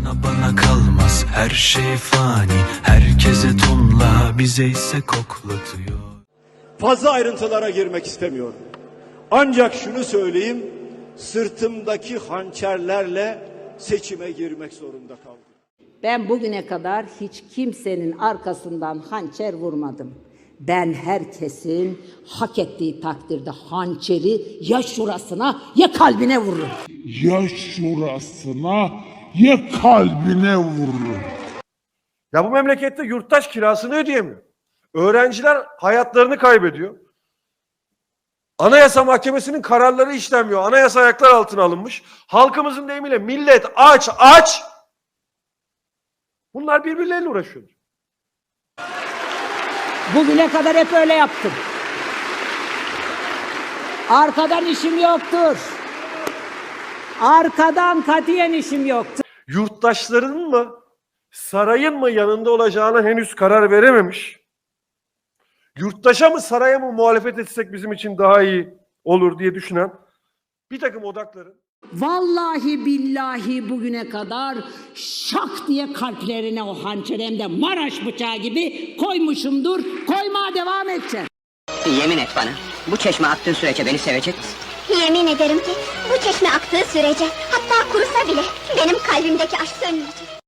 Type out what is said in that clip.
Bana kalmaz her şey fani, herkese tonla, bize ise koklatıyor. Fazla ayrıntılara girmek istemiyorum. Ancak şunu söyleyeyim, sırtımdaki hançerlerle seçime girmek zorunda kaldım. Ben bugüne kadar hiç kimsenin arkasından hançer vurmadım. Ben herkesin hak ettiği takdirde hançeri ya şurasına ya kalbine vururum. Ya şurasına ya kalbine vurur. Ya bu memlekette yurttaş kirasını ödeyemiyor. Öğrenciler hayatlarını kaybediyor. Anayasa Mahkemesi'nin kararları işlenmiyor. Anayasa ayaklar altına alınmış. Halkımızın deyimiyle millet aç aç. Bunlar birbirleriyle uğraşıyor. Bugüne kadar hep öyle yaptım. Arkadan işim yoktur. Arkadan katiyen işim yoktur. Yurttaşların mı, sarayın mı yanında olacağına henüz karar verememiş. Yurttaşa mı, saraya mı muhalefet etsek bizim için daha iyi olur diye düşünen bir takım odakların. Vallahi billahi bugüne kadar şak diye kalplerine o hançeri hem de Maraş bıçağı gibi koymuşumdur. Koymaya devam edeceğim. Yemin et bana, bu çeşme aktığı sürece beni sevecek misin? Yemin ederim ki bu çeşme aktığı sürece, hatta kurusa bile benim kalbimdeki aşk sönmeyecek.